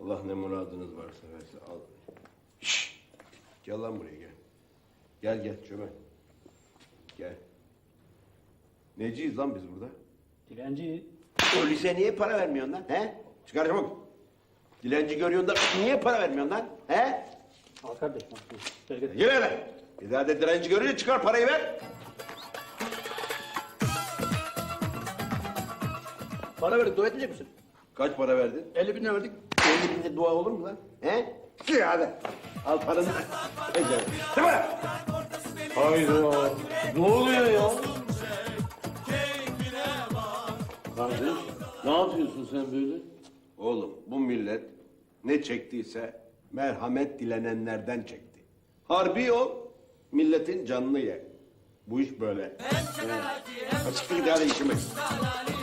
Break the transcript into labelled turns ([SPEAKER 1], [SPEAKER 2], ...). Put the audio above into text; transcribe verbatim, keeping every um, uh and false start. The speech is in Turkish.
[SPEAKER 1] Allah ne muradınız varsa versin. Al. Şşş! Gel lan buraya gel. Gel gel çömel. Gel. Neciyiz lan biz burada?
[SPEAKER 2] Dilenci.
[SPEAKER 1] Polise niye para vermiyorsun lan? He? Çıkar çabuk. Dilenci görüyorsun da niye para vermiyorsun lan? He?
[SPEAKER 2] Al kardeşim. Gel gel.
[SPEAKER 1] Gel hele. Bir daha da dilenci görünce çıkar parayı ver.
[SPEAKER 3] Para verdik, dua etmeyecek misin?
[SPEAKER 1] Kaç para verdin?
[SPEAKER 3] elli bin lira verdik.
[SPEAKER 1] elli binde dua olur mu lan? He? Çık hadi. Al paranı. Ece. Değil mi?
[SPEAKER 4] Hayda. Ne oluyor ya? Kardeş, ne yapıyorsun sen böyle?
[SPEAKER 1] Oğlum bu millet ne çektiyse merhamet dilenenlerden çekti. Harbi ol, milletin canını ye. Bu iş böyle. Açıklık hadi işime.